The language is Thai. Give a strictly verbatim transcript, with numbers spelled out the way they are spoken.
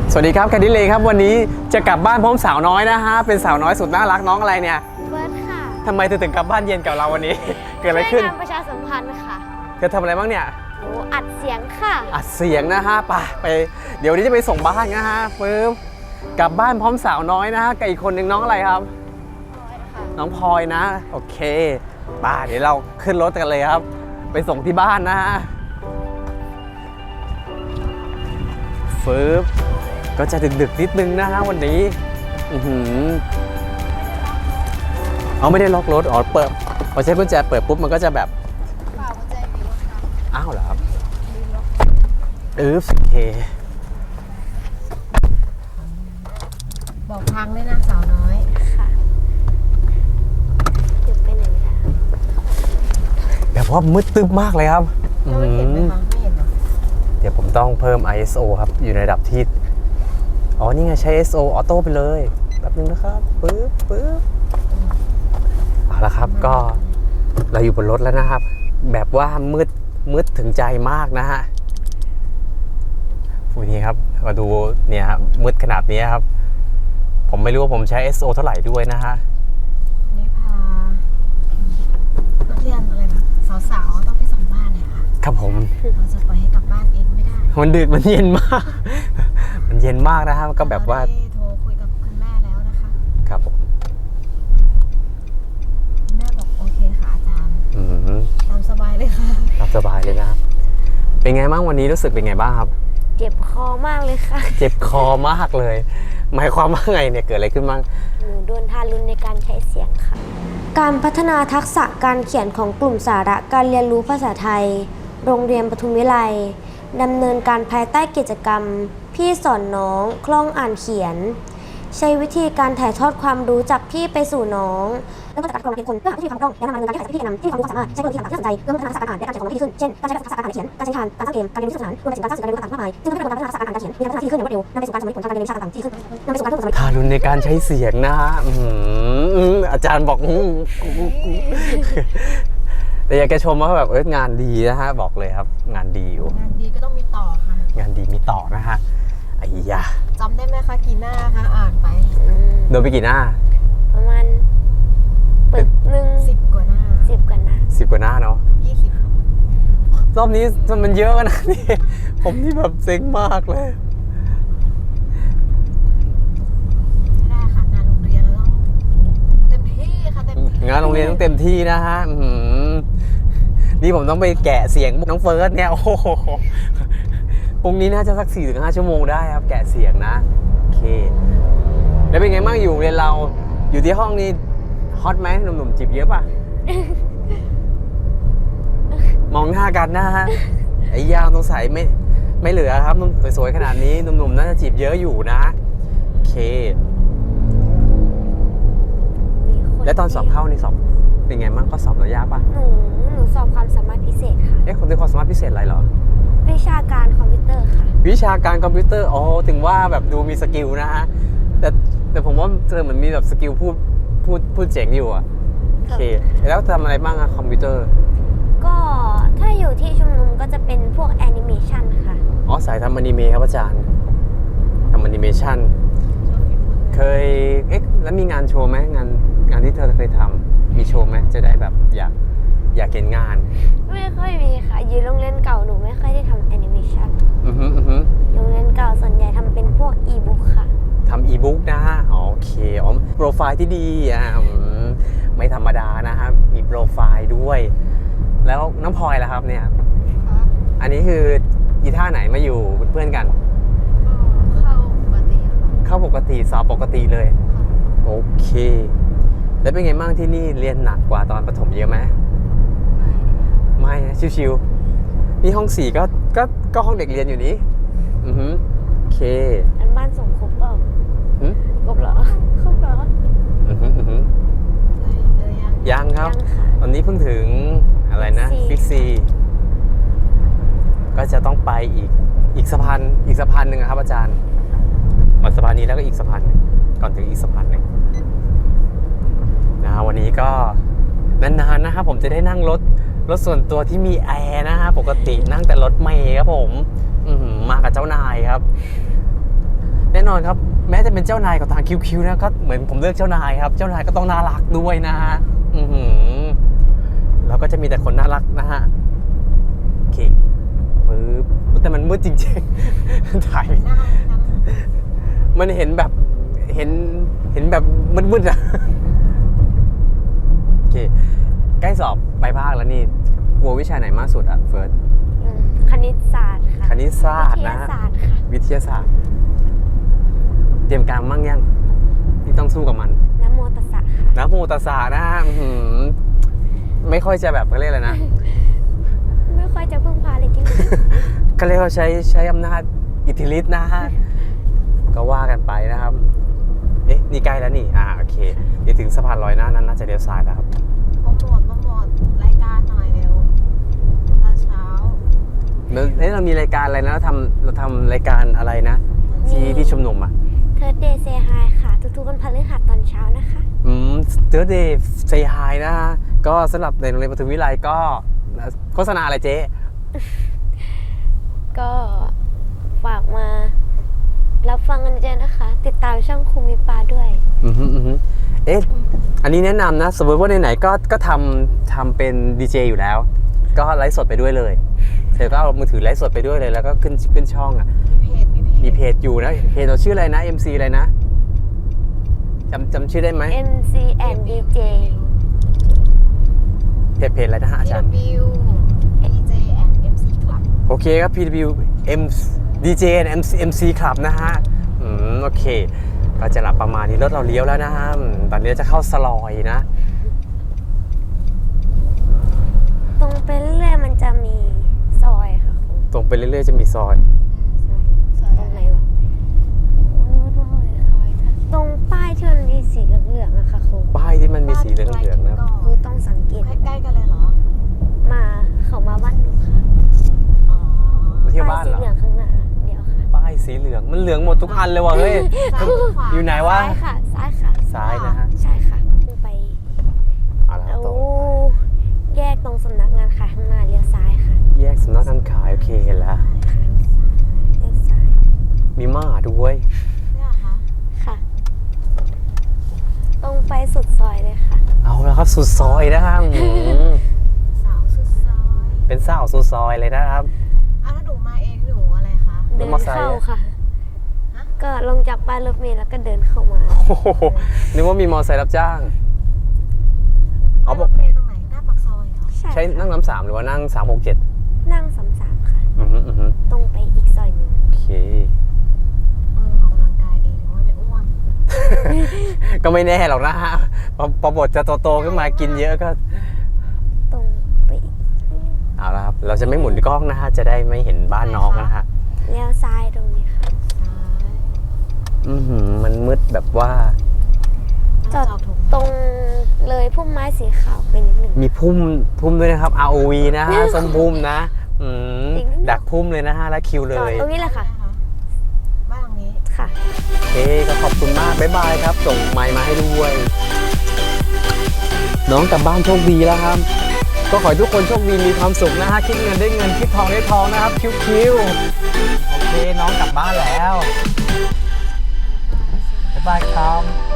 สวัสดีครับแคดดี้เลยครับวันนี้จะกลับบ้านพร้อมสาวน้อยนะฮะเป็นสาวน้อยสุดน่ารักน้องอะไรเนี่ยเฟิร์สค่ะทำไมเธอถึงกลับบ้านเย็นกับเราวันนี้ เกิดอะไรขึ้นช่วยงานประชาสัมพันธ์ค่ะเธอทำอะไรบ้างเนี่ยหนูอัดเสียงค่ะอัดเสียงนะฮะไปไปเดี๋ยววันนี้จะไปส่งบ้านนะฮะปึ๊บกลับบ้านพร้อมสาวน้อยนะฮะกับอีกคนหนึ่งน้องอะไรครับน้องพลอยนะโอเคป่าเดี๋ยวเราขึ้นรถกันเลยครับไปส่งที่บ้านนะฮะฟืบก็จะดึกๆนิดนึงนะฮะวันนี้อือหือเอาไม่ได้ล็อกรถอ๋อเปิดพอใช้กุญแจเปิดปุ๊บมันก็จะแบบเปล่ากุญแจมีรถครับอ้าวเหรอครับเออโอเคบอกทางด้วยนะสาวน้อยค่ะดึกไปไหนไม่ได้แบบว่ามืดตึ๊บมากเลยครับเราไม่เห็นไหมคะไม่เห็นหรอเดี๋ยวผมต้องเพิ่ม ไอ เอส โอ ครับอยู่ในระดับที่อ๋อนี่ไงใช้ เอส โอ ออโต้ไปเลยแป๊บนึงนะครับปึ๊บปึ๊บเอาละครับก็เราอยู่บนรถแล้วนะครับแบบว่ามืดมืดถึงใจมากนะฮะวันนี้ครับมาดูเนี่ยครับมืดขนาดนี้ครับผมไม่รู้ว่าผมใช้ เอส โอ เท่าไหร่ด้วยนะฮะนี่พานักเรียนอะไรนะสาวๆต้องไปส่งบ้านเนี่ยค่ะครับผมเราจะปล่อยให้กลับบ้านเองไม่ได้มันดึกมันเย็นมากมันเย็นมากนะครับก็แบบว่าโทรคุยกับคุณแม่แล้วนะคะครับผมคุณแม่บอกโอเคค่ะอาจารย์อืมตามสบายเลยค่ะตามสบายเลยนะเป็นไงบ้างวันนี้รู้สึกเป็นไงบ้างครับเจ็บคอมากเลยค่ะเจ็บคอมากเลยหมายความว่าไงเนี่ยเกิดอะไรขึ้นบ้างหนูโดนทารุณในการใช้เสียงค่ะการพัฒนาทักษะการเขียนของกลุ่มสาระการเรียนรู้ภาษาไทยโรงเรียนปทุมวิไลดำเนินการภายใต้กิจกรรมพี่สอนน้องคล่องอ่านเขียนใช้วิธีการถ่ายทอดความรู้จากพี่ไปสู่น้องแล้วก็จากการกรองเป็นคนเพื่อหาวิธีความคล่องและนำมาดำเนินการที่ถ่ายจากพี่แนะนำที่ความรู้ความสามารถใช้กลยุทธ์ต่างๆที่น่าสนใจเพื่อพัฒนาทักษะการอ่านและการเขียนของน้องให้ดีขึ้นเช่นการใช้ทักษะการอ่านเขียนการใช้ทานการสร้างเกมการเรียนรู้สื่อสารรวมไปถึงการสร้างสื่อการเรียนรู้ต่างๆมากมายซึ่งทำให้กระบวนการพัฒนาทักษะการอ่านการเขียนมีการพัฒนาที่ขึ้นอย่างรวดเร็วนำไปสู่การสำเร็จผลทางการเรียนรู้วิชาต่างๆที่ขึ้นนำไปสู่การเพิ่มความสำเร็จทารุณในการใช้เสียงนะฮะอาจารย์บอกแต่อยากจะชมว่าแบบเอองานดีนะฮะบอกเลยครับงานดีอยู่งานดีก็ต้องมีต่อค่ะงานดีมีต่อนะฮะไอ้ยาจำได้ไหมคะกี่หน้าคะอ่านไปโดนไปกี่หน้าประมาณปึกหนึ่งสิบกว่าหน้าสิบกว่าหน้าสิบกว่าหน้าเนาะยี่สิบรอบนี้มันเยอะนะนี่ผมนี่แบบเซ็งมากเลยไม่ได้ค่ะงานโรงเรียนเราต้องเต็มที่ค่ะเต็มที่งานโรงเรียนต้องเต็มที่นะฮะนี่ผมต้องไปแกะเสียงน้องเฟิร์สเนี่ยโอ้โหพรุ่งนี้น่าจะสัก สี่ถึงห้า ชั่วโมงได้ครับแกะเสียงนะโอเคแล้วเป็นไงบ้างอยู่เรียนเราอยู่ที่ห้องนี้ฮอตไหมหนุ่มๆจีบเยอะป่ะ มองหน้ากันนะฮะไอ้ยาวตรงใสไม่ไม่เหลือครับนุ่มสวยๆขนาดนี้หนุ่มๆน่าจะจีบเยอะอยู่นะโอเคแล้วตอนสอบเข้านี่สอบเป็นไงบ้างก็สอบระยะป่ะหนูหนูสอบความสามารถพิเศษค่ะเอ๊ะคนที่ความสามารถพิเศษอะไรเหรอวิชาการคอมพิวเตอร์ค่ะวิชาการคอมพิวเตอร์อ๋อถึงว่าแบบดูมีสกิลนะฮะแต่แต่ผมว่าเธอเหมือนมีแบบสกิลพูดพูดพูดเจ๋งอยู่อ่ะโอเคแล้วทำอะไรบ้างอะคอมพิวเตอร์ก็ถ้าอยู่ที่ชุมนุมก็จะเป็นพวกแอนิเมชันค่ะอ๋อสายทำอนิเมะครับอาจารย์ทำอนิเมชันเคยเอ๊ะแล้วมีงานโชว์ไหมงานงานที่เธอเคยทำมีโชว์ไหมจะได้แบบอยากอยากเห็นงานไม่ค่อยมีค่ะอยู่โรงเรียนเก่าหนูไม่ค่อยได้ทำแอนิเมชันอือฮึอือฮึโรงเรียนเก่าส่วนใหญ่ทำเป็นพวกอีบุ๊กค่ะทำอีบุ๊กนะโอเคอ๋อโปรไฟล์ที่ดีอ่ะไม่ธรรมดานะครับมีโปรไฟล์ด้วยแล้วน้องพลอยล่ะครับเนี่ยอันนี้คืออีท่าไหนมาอยู่เพื่อนกันเข้าปกติค่ะเข้าปกติสอบปกติเลยโอเคแล้วเป็นไงบ้างที่นี่เรียนหนักกว่าตอนประถมเยอะไหมไม่นะชิวๆนี่ห้องสี่ก็ก็ก็ห้องเด็กเรียนอยู่นี้อือฮึโอเคอันบ้านส่งครบเปล่าครบเหรอครบเหรออือฮึอือฮึยังครับตอนนี้เพิ่งถึงอะไรนะฟิกซีก็จะต้องไปอีกอีกสะพานอีกสะพานหนึ่งครับอาจารย์หมดสะพานนี้แล้วก็อีกสะพานหนึ่งก่อนถึงอีกสะพานหนึ่งนะวันนี้ก็นานๆนะครับผมจะได้นั่งรถรถส่วนตัวที่มีแอร์นะฮะปกตินั่งแต่รถเมล์ครับผมมากับเจ้านายครับนอนครับ แม้จะเป็นเจ้านายกับทางคิวๆนะก็เหมือนผมเลือกเจ้านายครับ เจ้านายก็ต้องน่ารักด้วยนะฮะอือหือแล้วก็จะมีแต่คนน่ารักนะฮะโอเคปึ๊บแต่มันมืดจริงๆ ถ่ายไม่หน้าเลยนะมันเห็นแบบเห็นเห็นแบบมืดๆอะโอเคใกล้สอบปลายภาคแล้วนี่กลัววิชาไหนมากสุดอะเฟิร์สอืมคณิตศาสตร์ค่ะคณิตศาสตร์วิทนะยาศาสตร์ค่ะวิทยาศาสตร์ เตรียมการมั่งยังที่ต้องสู้กับมันน้ำโมตัสสะค่ะนะโมตัสสะนะฮะอื้อหือไม่ค่อยจะแบบเขาเรียกอะไรนะไม่ค่อยจะพึ่งพาเลยจริงก็เรียกว่าใช้ใช้อำนาจอิทธิฤทธิ์นะฮะ ก็ว่ากันไปนะครับ เอ๊ะ นี่ใกล้แล้วนี่ อ่า โอเค เดี๋ยวถึงสะพานลอยหน้านั้นน่าจะเลี้ยวซ้ายแล้วครับโปรโมทโปรโมทรายการหน่อยเร็วตอนเช้าเอ๊ะเรามีรายการอะไรนะเราทำเราทำรายการอะไรนะ ที่ที่ชุมนุมอ่ะๆ Third Day Say Hi ค่ะ ทุกๆวันพฤหัสตอนเช้านะคะอืมเจอเดย์เซฮายนะฮะ ก็สำหรับในโรงเรียนปทุมวิไลก็โฆษณาอะไรเจ๊ก็ฝากมารับฟังกันเยอะนะคะ ติดตามช่องครูมิปาด้วยอือฮึอือฮึเอ๊ะ อันนี้แนะนำนะ สมมติว่าไหนๆก็ก็ทำทำเป็นดีเจอยู่แล้ว ก็ไลฟ์สดไปด้วยเลยเสร็จก็เอามือถือไลฟ์สดไปด้วยเลย แล้วก็ขึ้นขึ้นช่องอ่ะมีเพจมีเพจมีเพจอยู่นะ เพจเราชื่ออะไรนะ เอ็ม ซี อะไรนะจำจำชื่อได้ไหมเอ็ม ซี and ดี เจเพจเพจอะไรนะฮะอาจารย์พี ดับเบิลยู ดี เจ and เอ็ม ซี Club โอเคครับ พี ดับเบิลยู M ดี เจ เอ็ม ซี เอ็ม ซี Club นะฮะ อืม โอเค ก็จะหลับประมาณนี้รถเราเลี้ยวแล้วนะฮะอืมตอนนี้จะเข้าสลอยนะตรงไปเรื่อยๆมันจะมีซอยค่ะครูตรงไปเรื่อยๆจะมีซอยตรงไหนวะตรงป้ายที่มันมีสีเหลืองๆอะค่ะครูป้ายที่มันมีสีเหลืองๆนะครับครูต้องสังเกตใกล้ๆกันเลยเหรอมาเขามาบ้านหนูค่ะอ๋อมาเที่ยวบ้านป้ายสีเหรอเหลืองข้างหน้าเดี๋ยวค่ะป้ายสีเหลือง มันเหลืองหมดทุกอันเลยว่ะเฮ้ยซ้ายหรือขวาอยู่ไหนวะซ้ายค่ะ ซ้ายค่ะซ้ายนะฮะใช่ค่ะขึ้นไปเอาละครับแล้วตรงแยกตรงสำนักงานขายข้างหน้าเลี้ยวซ้ายค่ะแยกสำนักงานขายโอเคเห็นแล้วเลี้ยวซ้ายมีม่าด้วยเนี่ยเหรอคะค่ะ ตรงไปสุดซอยเลยค่ะเอาแล้วครับสุดซอยนะครับอืมสาวสุดซอยเป็นสาวสุดซอยเลยนะครับอ้าวแล้วหนูมาเองหนูอะไรคะเดินมอไซค์เข้าอะค่ะฮะก็ลงจากป้ายรถเมล์แล้วก็เดินเข้ามาโอ้โหนึกว่ามีมอไซค์รับจ้าง อ๋อรถเมล์ตรงไหนหน้าปากซอยเหรอใช่ใช้ค่ะนั่งน้ำสามหรือว่านั่งสามหกเจ็ดนั่งสามสามค่ะอือฮึอือฮึตรงไปอีกซอยหนึ่งโอเคเออออกกำลังกายดีหรือว่าไม่อ้วนก็ไม่แน่หรอกนะฮะพอพอบทจะโตๆขึ้นมากินเยอะก็ตรงไปอีกเอาละครับ เราจะไม่หมุนกล้องนะฮะ จะได้ไม่เห็นบ้านน้องนะฮะเลี้ยวซ้ายตรงนี้ค่ะซ้ายอือหือมันมืดแบบว่าจอดจอดถูกตรงเลยพุ่มไม้สีขาวไปนิดหนึ่งมีพุ่มพุ่มด้วยนะครับ อาร์ โอ วี นะฮะ ส้มพุ่มนะ อืมอีกนิดนึงดักพุ่มเลยนะฮะ แล้วคิวเลจอดยตรงนี้แหละค่ะบ้านหลังนี้ค่ะโอเคก็ขอบคุณมาก บ๊ายบายครับ ส่งไมค์มาให้ด้วย น้องกลับบ้านโชคดีแล้วครับ ก็ขอให้ทุกคนโชคดีมีความสุขนะฮะ คิดเงินได้เงิน คิดทองได้ทองนะครับ คิวๆโอเค น้องกลับบ้านแล้ว บ๊ายบายครับ